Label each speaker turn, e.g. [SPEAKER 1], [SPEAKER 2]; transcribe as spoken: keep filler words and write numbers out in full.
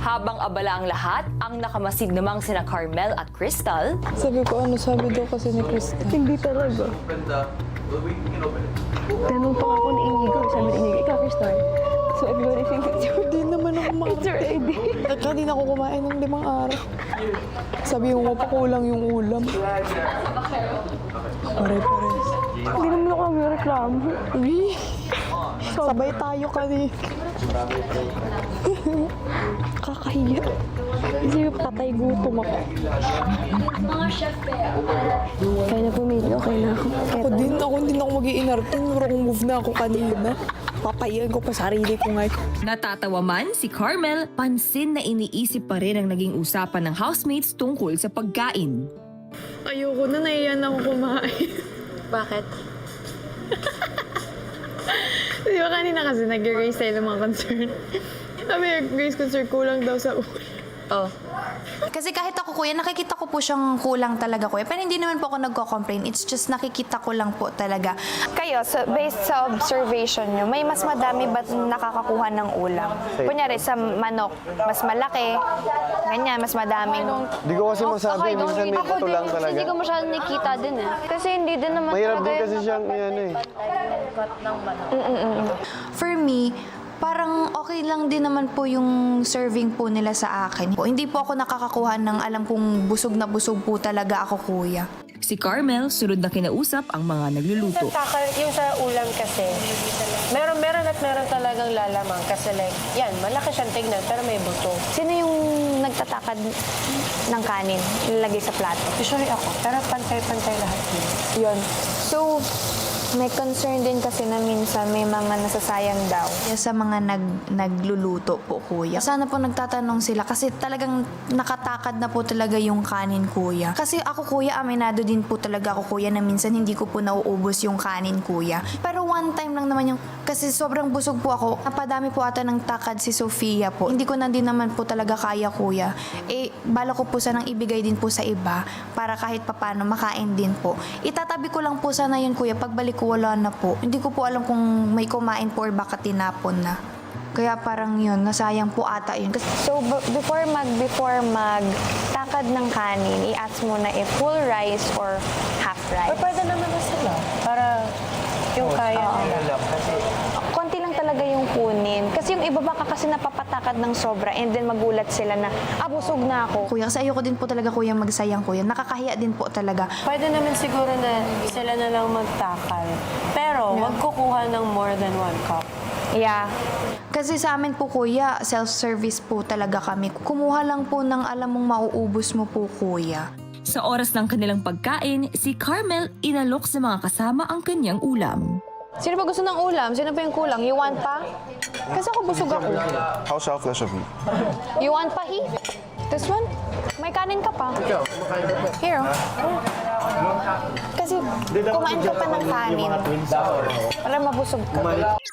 [SPEAKER 1] Habang abala ang lahat, ang nakamasid namang sina Carmel at Crystal.
[SPEAKER 2] Sabi ko, ano sabi daw kasi ni Krista?
[SPEAKER 3] Hindi talaga. Tanong pa ako ni Inigo. Sabi ni Inigo, ikaw, Crystal. So everybody thinks it's your,
[SPEAKER 2] Hindi naman ako
[SPEAKER 3] it's your
[SPEAKER 2] makakita.
[SPEAKER 3] idea.
[SPEAKER 2] At hindi na ako kumain ng limang araw. Sabi ko, mapakulang yung ulam. Pare-pares.
[SPEAKER 3] Hindi naman ako nagreklamo.
[SPEAKER 2] Uy, sabay tayo kanina.
[SPEAKER 3] Kakahiya. Kasi patay gutom ako. Kaya na pumili, okay na ako.
[SPEAKER 2] Ako din, ako din ako mag-iinarte. Pero kung move na ako kanina, papayan ko pa sarili ko ngayon.
[SPEAKER 1] Natatawa man si Carmel, pansin na iniisip pa rin ang naging usapan ng housemates tungkol sa pagkain.
[SPEAKER 2] Ayoko na, naiyan ako kumain.
[SPEAKER 3] Bakit?
[SPEAKER 2] Di ba kanina kasi nag-raise tayo ng mga concern? Sabi, Grace concern kulang daw sa ulo.
[SPEAKER 3] Oh.
[SPEAKER 4] Kasi kahit ako kuya, nakikita ko po siyang kulang talaga kuya. Pero hindi naman po ako nagko-complain. It's just nakikita ko lang po talaga.
[SPEAKER 5] Kayo, so based sa observation nyo, may mas madami ba nakakakuha ng ulam? Kunyari, sa manok, mas malaki, ganyan, mas madaming...
[SPEAKER 6] Hindi ko kasi masabi, minsan may ito lang talaga.
[SPEAKER 5] Hindi ko masyadong nakikita din eh. Kasi hindi din naman
[SPEAKER 6] Mahirap
[SPEAKER 5] talaga
[SPEAKER 6] din
[SPEAKER 5] yung
[SPEAKER 6] kasi siyang, yan eh.
[SPEAKER 4] For me, parang okay lang din naman po yung serving po nila sa akin. Po, hindi po ako nakakakuha ng alam kong busog na busog po talaga ako kuya.
[SPEAKER 1] Si Carmel, sunod na kinausap ang mga nagluluto.
[SPEAKER 7] Takal, yung sa ulam kasi, meron, meron at meron talagang lalamang. Kasi like, yan, malaki siyang tignan, pero may buto.
[SPEAKER 5] Sino yung nagtatakad ng kanin, ilalagay sa plato?
[SPEAKER 7] Usually ako, pero pantay-pantay lahat yun.
[SPEAKER 5] Yun. So, may concern din kasi na minsan may mga nasasayang daw.
[SPEAKER 4] Sa mga nag, nagluluto po kuya. Sana po nagtatanong sila kasi talagang nakatakad na po talaga yung kanin kuya. Kasi ako kuya, aminado din po talaga ako kuya na minsan hindi ko po nauubos yung kanin kuya. Pero one time lang naman yung, kasi sobrang busog po ako. Napadami po ata ng takad si Sofia po. Hindi ko na din naman po talaga kaya kuya. Eh, bala ko po sanang ibigay din po sa iba para kahit papano makain din po. Itatabi ko lang po sana yun kuya. Pagbalik ko wala na po. Hindi ko po alam kung may kumain po or baka tinapon na. Kaya parang yun, nasayang po ata yun. Kasi
[SPEAKER 5] So, b- before mag before mag takad ng kanin, i-ask mo na if full rice or half
[SPEAKER 7] Or
[SPEAKER 5] rice.
[SPEAKER 7] pwede naman na sila, para yung kaya nila.
[SPEAKER 5] Konti lang talaga yung kunin. Kasi yung iba baka kasi napapatakad ng sobra and then magulat sila na, ah, busog na ako.
[SPEAKER 4] kuya, kasi ayoko din po talaga kuya magsayang kuya. Nakakahiya din po talaga.
[SPEAKER 7] Pwede naman siguro na sila na lang magtakal. Pero, wag kukuha ng more than one cup.
[SPEAKER 5] Yeah.
[SPEAKER 4] Kasi sa amin po kuya, self-service po talaga kami. Kumuha lang po ng alam mong mauubos mo po kuya.
[SPEAKER 1] Sa oras ng kanilang pagkain, si Carmel inalok sa mga kasama ang kanyang ulam.
[SPEAKER 5] Sino pa gusto ng ulam? Sino pa yung kulang? You want pa? Kasi ako busog ako.
[SPEAKER 6] How selfless of you.
[SPEAKER 5] You want pa, He? This one? May kanin ka pa. Here, oh. Kasi kumain ka pa ng kanin. Para mabusog ka.